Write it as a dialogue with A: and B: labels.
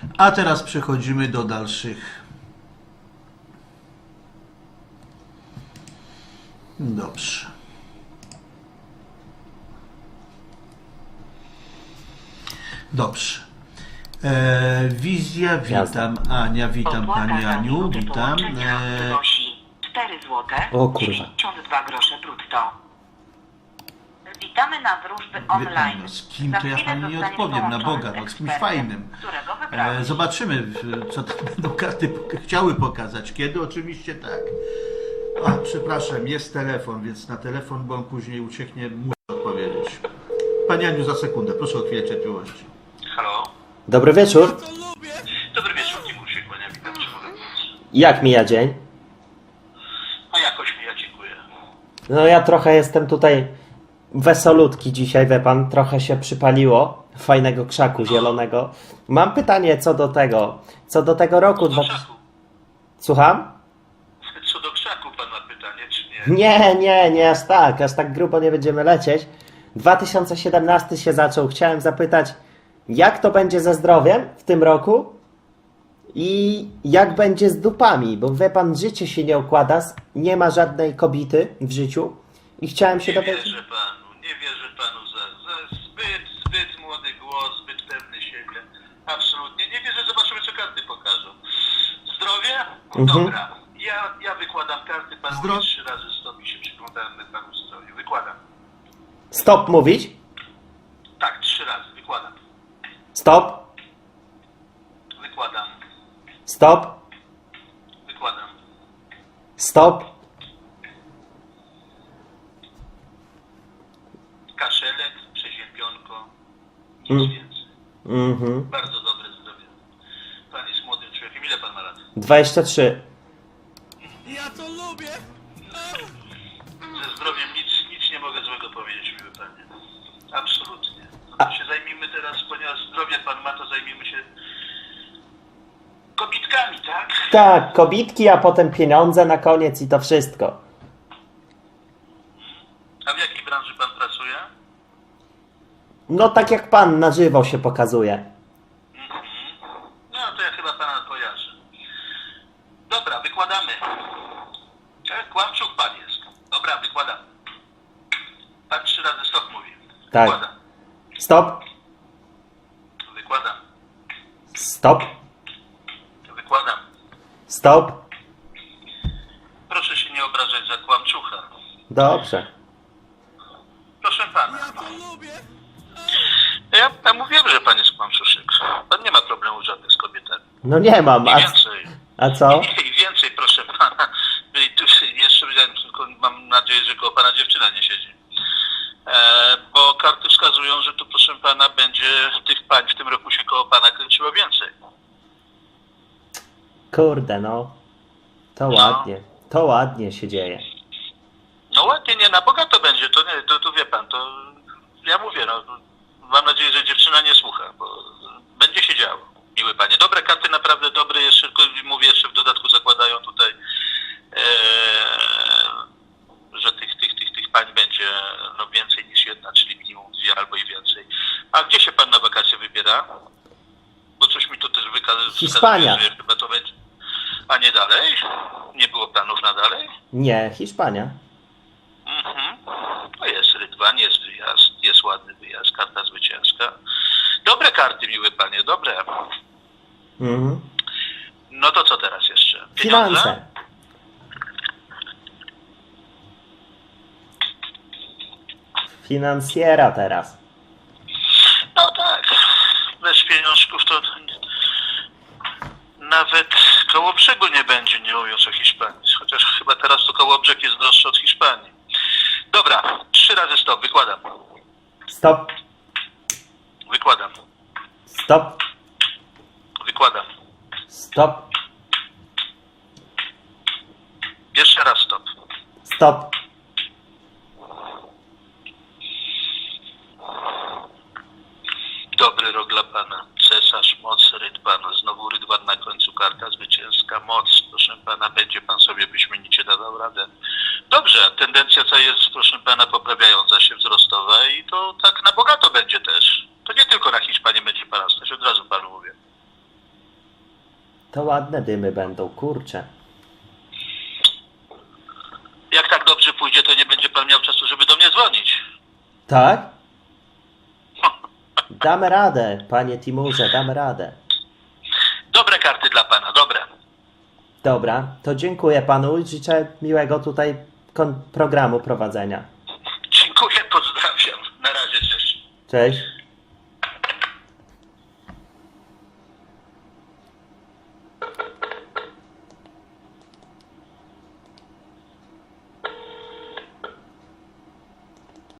A: A teraz przechodzimy do dalszych. Dobrze. Dobrze. Wizja, witam. Ania, witam Pani Aniu, witam.
B: 4 złote.
C: O kurwa.
B: 92 grosze brutto. Witamy na wróżby online.
A: No, z kim to ja Pani nie odpowiem, na Boga, no z kimś fajnym. Zobaczymy, co tam będą karty chciały pokazać. Kiedy? Oczywiście tak. O, przepraszam, jest telefon, więc na telefon, bo on później ucieknie, muszę odpowiedzieć. Pani Aniu, za sekundę, proszę o chwilę cierpliwości.
D: Halo?
C: Dobry wieczór.
D: Dobry wieczór, Timur się kłania, witam, czy mogę pomóc?
C: Jak mija dzień?
D: No jakoś mi, ja dziękuję.
C: No ja trochę jestem tutaj wesolutki dzisiaj, wie pan. Trochę się przypaliło. Fajnego krzaku zielonego. Mam pytanie co do tego roku.
D: Do krzaku.
C: Słucham?
D: Co do krzaku pan ma pytanie, czy nie?
C: Nie, aż tak grubo nie będziemy lecieć. 2017 się zaczął. Chciałem zapytać, jak to będzie ze zdrowiem w tym roku i jak będzie z dupami, bo wie pan, życie się nie układa, nie ma żadnej kobiety w życiu i chciałem się dowiedzieć.
D: Nie wierzę panu za zbyt młody głos, zbyt pewny siebie. Absolutnie, nie wierzę, zobaczymy co karty pokażą. Zdrowie? Dobra, ja wykładam karty, pan mówi 3 razy stop i się przyglądamy panu zdrowiu. Wykładam.
C: Stop mówić?
D: Tak, 3 razy, wykładam.
C: Stop.
D: Wykładam.
C: Stop.
D: Wykładam.
C: Stop.
D: Kaszelek, przeziębionko, nic więcej. Bardzo dobre zdrowie. Pan jest młodym człowiekiem. Ile pan ma lat?
C: 23.
E: Ja to lubię!
D: Ze zdrowiem nic nie mogę złego powiedzieć, miły panie. Absolutnie. No to się zajmijmy teraz, ponieważ zdrowie pan ma, to zajmijmy się kobitkami, tak?
C: Tak, kobitki, a potem pieniądze na koniec i to wszystko.
D: A w jakiej branży pan pracuje?
C: No tak jak pan na żywo się pokazuje.
D: No to ja chyba pana kojarzę. Dobra, wykładamy. Kłamczuk pan jest. Dobra, wykładam. Pan 3 razy stop mówi.
C: Tak.
D: Wykładam.
C: Stop.
D: Wykładam.
C: Stop.
D: Wykładam.
C: Stop.
D: Proszę się nie obrażać za kłamczucha.
C: Dobrze.
D: Proszę pana.
E: Ja to lubię!
D: Ja mówiłem, że pan jest kłamczuszek. Pan nie ma problemu żadnych z kobietami.
C: No nie mam.
D: I więcej.
C: A co?
D: I więcej, proszę pana. I tu jeszcze tylko mam nadzieję, że koło pana dziewczyna nie siedzi. Bo karty wskazują, że tu, proszę pana, będzie tych pań w tym roku się koło pana kręciło więcej.
C: Kurde, no. To ładnie. To ładnie się dzieje.
D: No ładnie, nie na bogato będzie, to nie, to wie pan, to ja mówię, no mam nadzieję, że dziewczyna nie słucha, bo będzie się działo, miły panie. Dobre karty, naprawdę dobre, jeszcze mówię, jeszcze w dodatku zakładają tutaj, że tych pań będzie no więcej niż jedna, czyli minimum 2 albo i więcej. A gdzie się pan na wakacje wybiera? Bo coś mi tu też
C: Hiszpania.
D: wskazuje, że chyba to będzie. A nie dalej? Nie było planów na dalej?
C: Nie, Hiszpania.
D: To jest rydwan, jest wyjazd, jest ładny wyjazd, karta zwycięska. Dobre karty, miły panie, dobre. No to co teraz jeszcze? Pieniądze?
C: Finanse. Finansjera teraz.
D: No tak, bez pieniążków to nawet koło brzegu nie będzie, nie mówiąc o Hiszpanii. Chociaż chyba teraz to koło brzeg jest droższe od Hiszpanii. Dobra, 3 razy stop, wykładam.
C: Stop.
D: Wykładam.
C: Stop.
D: Wykładam.
C: Stop.
D: Jeszcze raz stop.
C: Stop.
D: Dobry rok dla pana. Cesarz, moc, rydwan. Znowu rydwan na końcu, karta zwycięska, moc. Proszę pana, będzie pan sobie wyśmienicie dawał radę. Dobrze, tendencja co jest, proszę pana, poprawiająca się, wzrostowa i to tak na bogato będzie też. To nie tylko na Hiszpanię będzie pana stać, od razu panu mówię.
C: To ładne dymy będą, kurczę.
D: Jak tak dobrze pójdzie, to nie będzie pan miał czasu, żeby do mnie dzwonić.
C: Tak? Damy radę, panie Timurze, damy radę.
D: Dobre karty dla pana, dobre.
C: Dobra, to dziękuję panu i życzę miłego tutaj programu prowadzenia.
D: Dziękuję, pozdrawiam. Na razie, cześć.
C: Cześć.